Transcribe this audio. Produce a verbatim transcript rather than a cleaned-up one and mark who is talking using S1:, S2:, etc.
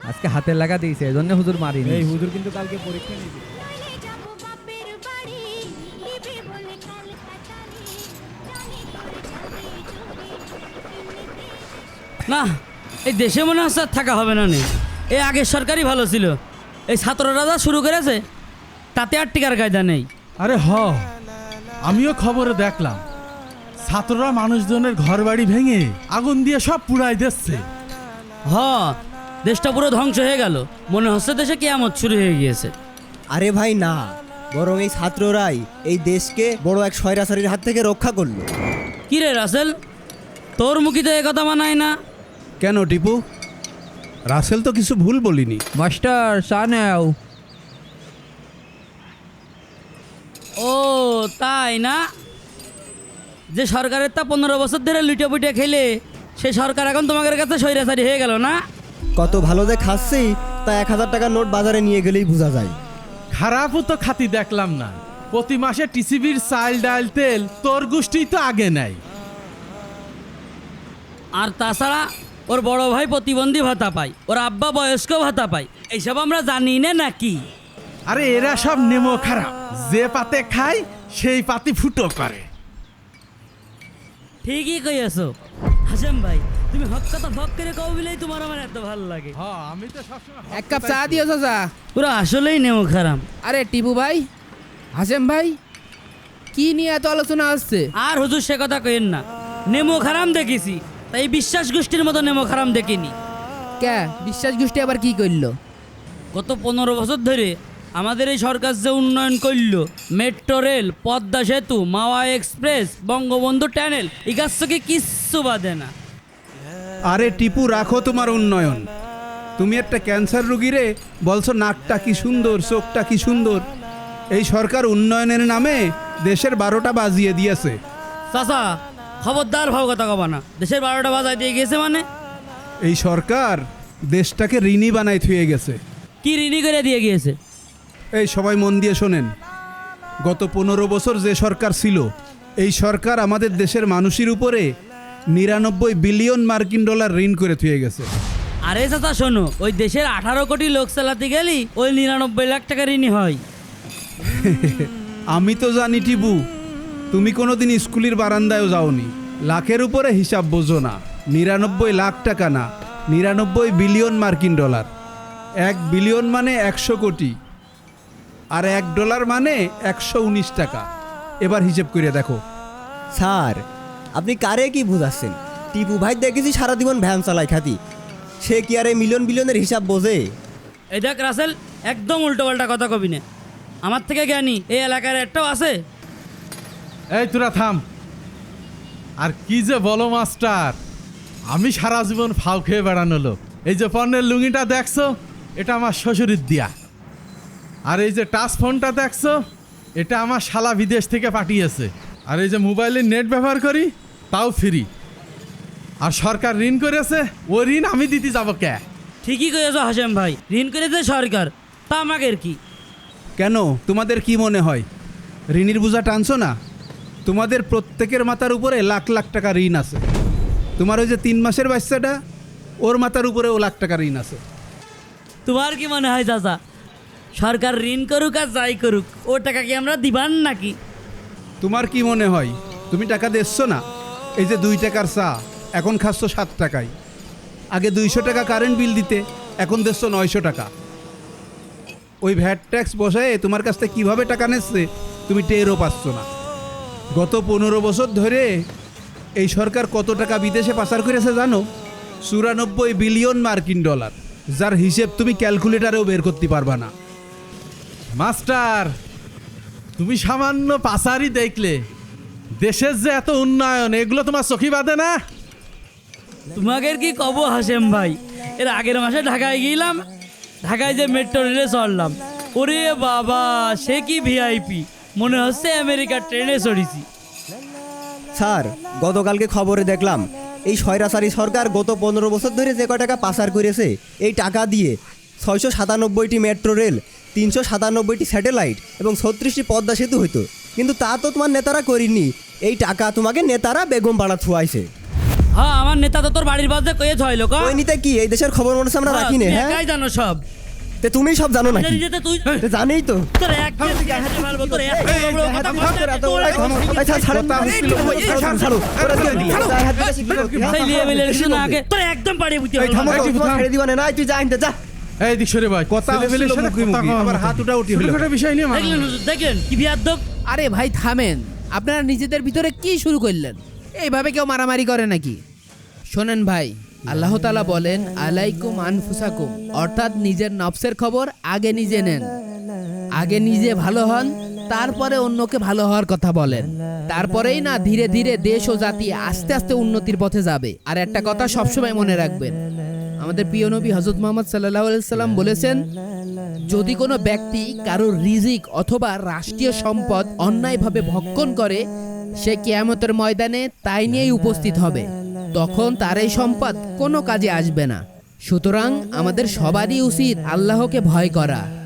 S1: আজকে হাতে লাগা দিয়েছে এজন্য হুজুর মারিনি।
S2: এই হুজুর কিন্তু কালকে পরীক্ষা নিবে।
S3: না, এই দেশে মনে হচ্ছে আর থাকা হবে না নে। এই আগের সরকারই ভালো ছিল। এই ছাত্ররা যা শুরু করেছে তাতে আর টিকার কায়দা নেই।
S2: আরে হ, আমিও খবরে দেখলাম ছাত্ররা মানুষজনের ঘর বাড়ি ভেঙে আগুন দিয়ে সব পুড়াই দিচ্ছে।
S3: হ, দেশটা পুরো ধ্বংস হয়ে গেল। মনে হচ্ছে দেশে কিয়ামত শুরু হয়ে গিয়েছে।
S4: আরে ভাই না, বরং এই ছাত্ররাই এই দেশকে বড় এক স্বৈরাচারীর হাত থেকে রক্ষা করলো।
S3: কি রে রাসেল, তোর মুখে তো এ কথা মানায় না।
S5: কেন টিপু? রাসেল তো কিছু ভুল বলিনি।
S1: মাস্টার চা নেও।
S3: ও তাই না? যে সরকারের তা পনেরো বছর ধরে লুটে পুটে খেলে সে সরকার এখন তোমাদের কাছে স্বৈরাচারী হয়ে গেল না?
S4: কত ভালো যে খাচ্ছি তা এক হাজার টাকার নোট বাজারে নিয়ে গেলেই বোঝা যায়।
S2: খারাপও তো খাতি দেখলাম না। প্রতি মাসে টিসিবির চাল ডাল তেল তোর গোষ্ঠী তো আগে নাই।
S3: আর তাছাড়া ওর বড় ভাই প্রতিবন্ধী ভাতা পায়, ওর আব্বা বয়স্ক ভাতা পায়। এইসব আমরা জানি না নাকি?
S2: আরে এরা সব নেমো খারাপ, যে পাতে খায় সেই পাতি ফুটো করে।
S3: ঠিকই কইয়াছো হাসেম ভাই, তুমি হক কথা ভক করে কও বলেই তোমার আমার এত ভালো লাগে।
S2: হ্যাঁ, আমি তো সবসময়
S6: এক কাপ চা দিও চাচা।
S3: পুরো আসলেই নেমো খারাপ।
S6: আরে টিপু ভাই, হাসেম ভাই, কি নিয়ে এত আলোচনা আসছে?
S3: আর হুজুর সে কথা কইেন না। নেমো খারাম দেখেছি, তাই বিশ্বাস গোষ্ঠীর মতো নেমো খারাম দেখিনি।
S6: কে বিশ্বাস গোষ্ঠী আবার কি করলো?
S3: গত পনেরো বছর ধরে আমাদের এই সরকার যে উন্নয়ন করল, মেট্রো রেল, পদ্মা সেতু, মাওয়া এক্সপ্রেস, বঙ্গবন্ধু টানেল, এই কাজ থেকে কিচ্ছু বাদে না।
S5: আরে টিপু, রাখো তোমার উন্নয়ন। তুমি একটা ক্যান্সার রুগীরে বলছো নাকটা কি সুন্দর, চোখটা কি সুন্দর। এই সরকার উন্নয়নের নামে দেশের বারোটা বাজিয়ে দিয়েছে।
S3: চাচা খবরদার ভাব কথা কবা না। দেশের বারোটা বাজায় দিয়ে গেছে মানে?
S5: এই সরকার দেশটাকে ঋণী বানাই থুয়ে গেছে।
S3: কি ঋণী করে দিয়ে গিয়েছে?
S5: এই সবাই মন দিয়ে শোনেন, গত পনেরো বছর যে সরকার ছিল, এই সরকার আমাদের দেশের মানুষের উপরে নিরানব্বই বিলিয়ন মার্কিন ডলার ঋণ করে থুয়ে গেছে।
S3: আরে চাচা শোনো, ওই দেশের আঠারো কোটি লোক চালাতে গেলি ওই নিরানব্বই লাখ টাকা ঋণী হয়।
S5: আমি তো জানি টিপু, তুমি কোনোদিন স্কুলের বারান্দায়ও যাওনি। লাখের উপরে হিসাব বোঝো না। নিরানব্বই লাখ টাকা না, নিরানব্বই বিলিয়ন মার্কিন ডলার। এক বিলিয়ন মানে একশো কোটি, আর এক ডলার মানে একশো উনিশ টাকা। এবার হিসেব করে দেখো।
S4: স্যার, আপনি কারে কি বুঝাচ্ছেন? টিপু ভাই দেখেছি সারা জীবন ভ্যান চালায় খাতি, সে কি আর এই মিলিয়ন বিলিয়নের হিসাব বোঝে?
S3: এই দেখ রাসেল, একদম উল্টো পাল্টা কথা কবি না। আমার থেকে জ্ঞানী এই এলাকার একটাও আছে?
S2: এই তোরা থাম। আর কি যে বলো মাস্টার, আমি সারা জীবন ফাউ খেয়ে বেড়ানো লোক। এই যে পণ্যের লুঙ্গিটা দেখছো, এটা আমার শ্বশুরের দিয়া। আর এই যে টাচ ফোনটা দেখছো, এটা আমার শালা বিদেশ থেকে পাঠিয়েছে। আর এই যে মোবাইলের নেট ব্যবহার করি, তাও ফ্রি। আর সরকার ঋণ করেছে, ও ঋণ আমি দিতে যাবো কে?
S3: ঠিকই কয়েছ হাসেম ভাই, ঋণ করেছে সরকার, তা আমাদের কি?
S5: কেন, তোমাদের কি মনে হয় ঋণের বোঝা টানছো না? তোমাদের প্রত্যেকের মাথার উপরে লাখ লাখ টাকা ঋণ আছে। তোমার ওই যে তিন মাসের বাচ্চাটা, ওর মাথার উপরে ও লাখ টাকা ঋণ আছে।
S3: তোমার কি মনে হয় চাচা, সরকার ঋণ করুক আর যাই করুক, ও টাকা কি আমরা দিবান নাকি?
S5: তোমার কি মনে হয় তুমি টাকা দিচ্ছ না? এই যে দুই টাকার চা এখন খাচ্ছ সাত টাকায়। আগে দুইশো টাকা কারেন্ট বিল দিতে, এখন দিচ্ছ নয়শো টাকা। ওই ভ্যাট ট্যাক্স বসায় তোমার কাছ থেকে কীভাবে টাকা নিচ্ছে তুমি টেরও পাচ্ছ না। গত পনেরো বছর ধরে এই সরকার কত টাকা বিদেশে পাচার করেছে জানো? চুরানব্বই বিলিয়ন মার্কিন ডলার, যার হিসেব তুমি ক্যালকুলেটারেও বের করতে পারবা না।
S2: মাস্টার, তুমি সামান্য পাচারই দেখলে দেশের যে এত উন্নয়ন, এগুলো তোমার চোখে বাঁধে না?
S3: তোমাদের কি কব হাসেম ভাই, এর আগের মাসে ঢাকায় গেলাম, ঢাকায় যে মেট্রো রেলে চড়লাম, ওরে বাবা সে কি ভিআইপি, মনে হচ্ছে আমেরিকার ট্রেনে চড়িছি।
S4: স্যার, গতকালকে খবরে দেখলাম এই স্বৈরাচারী সরকার গত পনেরো বছর ধরে যে কয় টাকা পাচার করেছে, এই টাকা দিয়ে ছয়শো সাতানব্বইটি মেট্রো রেল, তিনশো সাতানব্বইটি স্যাটেলাইট এবং ছত্রিশটি পদ্মা সেতু হইতো। কিন্তু তা তো তোমার নেতারা করিনি। এই টাকা তোমাকে নেতারা বেগম পাড়া থুয়াইছে।
S3: হ্যাঁ আমার নেতা তো তোর বাড়ির পাশে কয়ে ছয় লোক
S4: ওই নিতে কি এই দেশের খবর মনে হচ্ছে আমরা রাখি না, হ্যাঁ?
S3: একাই জানো সব
S4: তে তুমি সব জানো নাকি?
S3: নিজে তুই
S4: তে জানেই তো।
S3: তোর এক মারবো তোর এক বড় কথা বলতে
S4: এই ছাড়, ছাড়েন না। ছাড়ো, ছাড়ো। ওরা দিয়ে দিলে। গায়ে হাত দিলে শিখবি কোথায়, হ্যাঁ?
S3: সেই লিয়ে মিলে শোনা আগে তোর একদম পাড়িয়ে বুঝতে
S4: এই থামো,
S2: এই,
S4: তোমার
S2: থাম।
S4: ছেড়ে দিবা না, নাই তুই যা আনতে যা।
S2: এই দিক সরে ভাই
S5: কথা
S2: ছেলেপেলের
S5: হচ্ছিল
S2: সাথে
S5: মুখে
S2: কথা
S5: মুখে,
S2: কওয়া
S5: আবার
S2: হতো।
S5: হাত উঠা উঠি হলো।
S2: ছোটখাটো বিষয় নিয়ে
S3: দেখলেন হুজুর, দেখেন কি বিয়াদ্দব।
S6: আরে ভাই থামেন, আপনারা নিজেদের ভিতরে কি শুরু করলেন? এইভাবে কেউ মারামারি করে নাকি? শোনেন ভাই, আল্লাহ তাআলা বলেন আলাইকুম আনফুসাকুম, অর্থাৎ নিজের নফসের খবর আগে নিজে নেন। আগে নিজে ভালো হন, তারপরে অন্যকে ভালো হওয়ার কথা বলেন। তারপরেই না ধীরে ধীরে দেশ ও জাতি আস্তে আস্তে উন্নতির পথে যাবে। আর একটা কথা সবসময় মনে রাখবেন, আমাদের প্রিয় নবী হযরত মুহাম্মদ সাল্লাল্লাহু আলাইহি সাল্লাম বলেছেন, যদি কোনো ব্যক্তি কারোর রিজিক অথবা রাষ্ট্রীয় সম্পদ অন্যায়ভাবে ভক্ষণ করে, সে কিয়ামতের ময়দানে তাই নিয়েই উপস্থিত হবে। তখন তার এই সম্পদ কোনো কাজে আসবে না। সুতরাং আমাদের সবারই উচিত আল্লাহকে ভয় করা।